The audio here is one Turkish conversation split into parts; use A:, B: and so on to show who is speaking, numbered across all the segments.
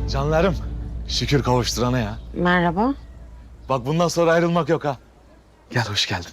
A: Canlarım, şükür kavuşturana ya.
B: Merhaba.
A: Bak bundan sonra ayrılmak yok ha. Gel, hoş geldin.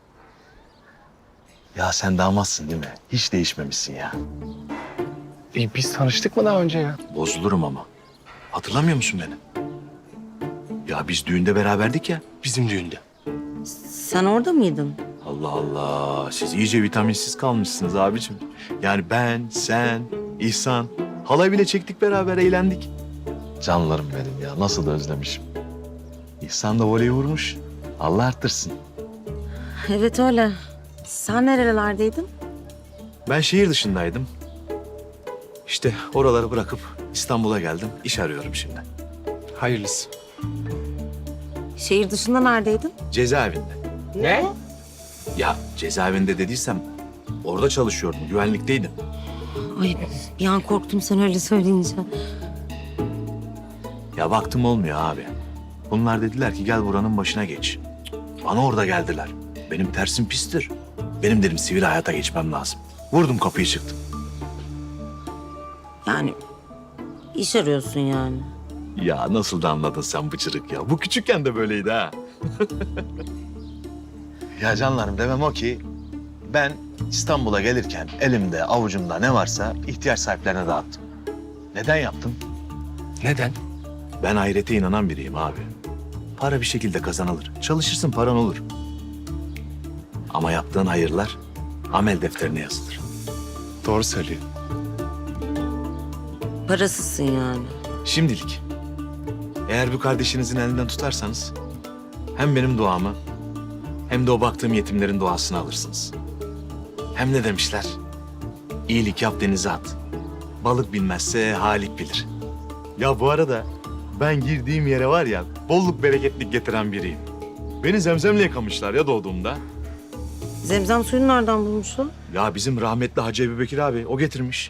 A: Ya sen damatsın değil mi? Hiç değişmemişsin ya.
C: Biz tanıştık mı daha önce ya?
A: Bozulurum ama. Hatırlamıyor musun beni? Ya biz düğünde beraberdik ya.
C: Bizim düğünde.
B: Sen orada mıydın?
A: Allah Allah, siz iyice vitaminsiz kalmışsınız abicim. Yani ben, sen, İhsan, halay bile çektik beraber, eğlendik. Canlarım benim ya, nasıl da özlemişim. İhsan da voleyi vurmuş. Allah arttırsın.
B: Evet öyle. Sen nerelerdeydin?
A: Ben şehir dışındaydım. İşte oraları bırakıp İstanbul'a geldim. İş arıyorum şimdi.
C: Hayırlısı.
B: Şehir dışında neredeydin?
A: Cezaevinde.
C: Ne?
A: Ya cezaevinde dediysem orada çalışıyordum, güvenlikteydim.
B: Ay bir an korktum sen öyle söyleyince.
A: Ya baktım olmuyor abi. Bunlar dediler ki gel buranın başına geç. Bana orada geldiler. Benim tersim pistir. Benim dedim sivil hayata geçmem lazım. Vurdum kapıyı çıktım.
B: Yani iş arıyorsun yani.
A: Ya nasıl da anladın sen bıçırık ya. Bu küçükken de böyleydi ha. Ya canlarım demem o ki ben İstanbul'a gelirken elimde avucumda ne varsa ihtiyaç sahiplerine dağıttım. Neden yaptım?
C: Neden?
A: Ben ahirete inanan biriyim abi. Para bir şekilde kazanılır. Çalışırsın paran olur. Ama yaptığın hayırlar amel defterine yazılır.
C: Doğru söylüyor.
B: Parasızsın yani.
A: Şimdilik. Eğer bu kardeşinizin elinden tutarsanız hem benim duamı hem de o baktığım yetimlerin duasını alırsınız. Hem ne demişler? İyilik yap denize at. Balık bilmezse halik bilir. Ya bu arada ben girdiğim yere var ya bolluk bereketlik getiren biriyim. Beni zemzemle yıkamışlar ya doğduğumda.
B: Zemzem suyunu nereden bulmuşsun?
A: Ya bizim rahmetli Hacı Ebubekir abi o getirmiş.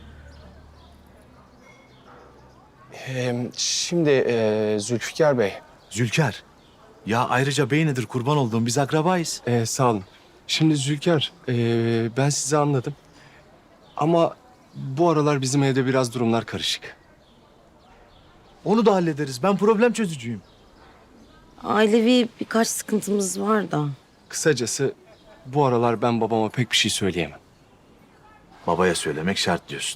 C: Şimdi Zülfikar Bey.
A: Zülker. Ya ayrıca bey nedir kurban olduğum biz akrabayız.
C: Sağ olun. Şimdi Zülfikar, ben sizi anladım. Ama bu aralar bizim evde biraz durumlar karışık.
A: Onu da hallederiz. Ben problem çözücüyüm.
B: Ailevi birkaç sıkıntımız var da.
C: Kısacası bu aralar ben babama pek bir şey söyleyemem.
A: Babaya söylemek şart diyorsun.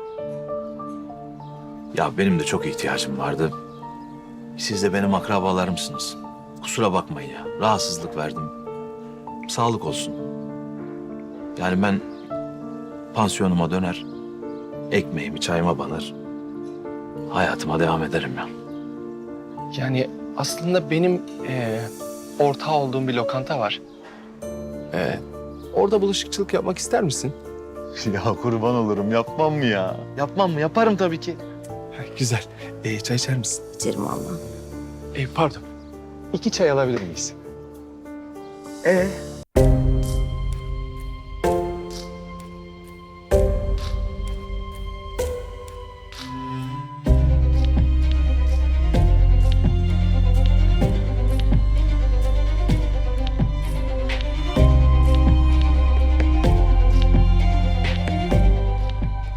A: Ya benim de çok ihtiyacım vardı. Siz de benim akrabalarımsınız. Kusura bakmayın ya. Rahatsızlık verdim. Sağlık olsun. Yani ben pansiyonuma döner, ekmeğimi çayıma banır, hayatıma devam ederim ya.
C: Yani aslında benim ortağı olduğum bir lokanta var. Orada bulaşıkçılık yapmak ister misin?
A: Ya kurban olurum. Yapmam mı ya? Yapmam mı? Yaparım tabii ki.
C: Güzel. Çay içer misin?
B: İçerim valla.
C: Pardon. 2 çay alabilir miyiz?